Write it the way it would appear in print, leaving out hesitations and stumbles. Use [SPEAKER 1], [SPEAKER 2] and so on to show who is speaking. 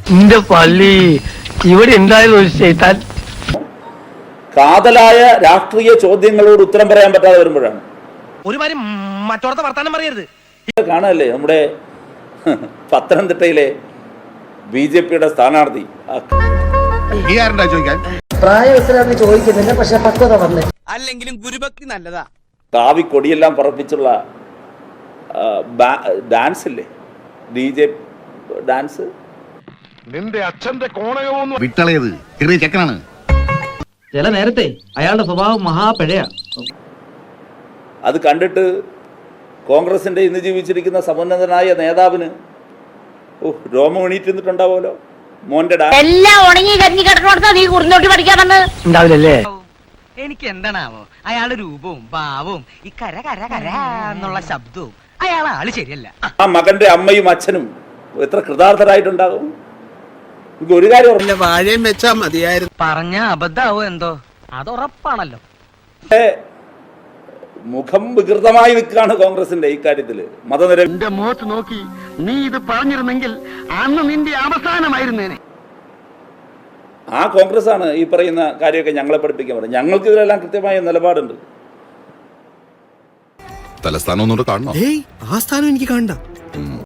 [SPEAKER 1] എന്റെ പള്ളി ഇവിടെ എന്തായാലും ഒരു ചെയ്താൽ
[SPEAKER 2] കാതലായ രാഷ്ട്രീയ ചോദ്യങ്ങളോട് ഉത്തരം പറയാൻ പറ്റാതെ വരുമ്പോഴാണ്
[SPEAKER 3] ഒരുമാതിരി മറ്റോടത്തെ വർത്താനം പറയരുത്.
[SPEAKER 2] കാണല്ലേ നമ്മുടെ പത്തനംതിട്ടയിലെ BJP-യുടെ സ്ഥാനാർത്ഥി
[SPEAKER 4] പ്രായവസരാന്ന് ചോദിക്കുന്നില്ല, പക്ഷെ പക്വത വന്ന്
[SPEAKER 3] അല്ലെങ്കിലും ഗുരുഭക്തി നല്ലതാ.
[SPEAKER 2] കാവി കൊടിയെല്ലാം പറപ്പിച്ചുള്ള ഡാൻസ് ഇല്ലേ, DJ ഡാൻസ്.
[SPEAKER 5] നിന്റെ അച്ഛന്റെ കോണയോന്ന്
[SPEAKER 6] വിട്ടളയത് ചെറിയ ചെക്കനാണ്.
[SPEAKER 7] ചില നേരത്തെ അയാളുടെ സ്വഭാവം മഹാപിഴയാ.
[SPEAKER 2] അത് കണ്ടിട്ട് കോൺഗ്രസിന്റെ ഇന്ന് ജീവിച്ചിരിക്കുന്ന സമുന്നതനായ നേതാവിന് രോമം എണീറ്റിരുന്നിട്ടുണ്ടാവുമല്ലോ. മോന്റെ
[SPEAKER 8] എല്ലാം ഉണങ്ങി കരിഞ്ഞു കിടക്കണോടത്താ നീ കുറിഞ്ഞോട്ടി പഠിക്കാൻ വന്ന്
[SPEAKER 1] ഉണ്ടാവില്ലല്ലേ?
[SPEAKER 3] എനിക്ക് എന്താണാവോ അയാളുടെ രൂപവും ഭാവവും ഈ കര കര കര എന്നുള്ള ശബ്ദവും അയാൾ ആള് ശരിയല്ല.
[SPEAKER 2] ആ മകന്റെ അമ്മയും അച്ഛനും എത്ര കൃതാർത്ഥരായിട്ടുണ്ടാകും. എനിക്ക് ഒരു കാര്യം
[SPEAKER 3] വാഴയും വെച്ചാ മതിയായിരുന്നു. പറഞ്ഞ അബദ്ധാവോ എന്തോ, അത് ഉറപ്പാണല്ലോ.
[SPEAKER 2] മുഖം വികൃതമായി നിൽക്കുകയാണ് കോൺഗ്രസിന്റെ ഇക്കാര്യത്തില്.
[SPEAKER 6] എന്റെ മുഖത്ത് നോക്കി നീ ഇത് പറഞ്ഞിരുന്നെങ്കിൽ അന്ന് നിന്റെ അവസാനമായിരുന്നേനെ.
[SPEAKER 2] ആ കോൺഗ്രസ് ആണ് ഈ പറയുന്ന കാര്യമൊക്കെ ഞങ്ങളെ പഠിപ്പിക്കാൻ പറയുന്നത്. ഞങ്ങൾക്ക് ഇതിലെല്ലാം കൃത്യമായ നിലപാടുണ്ട്.
[SPEAKER 5] തലസ്ഥാനം ഒന്നുകൂടെ കാണണം.
[SPEAKER 9] ആ സ്ഥാനം എനിക്ക് കാണണ്ട.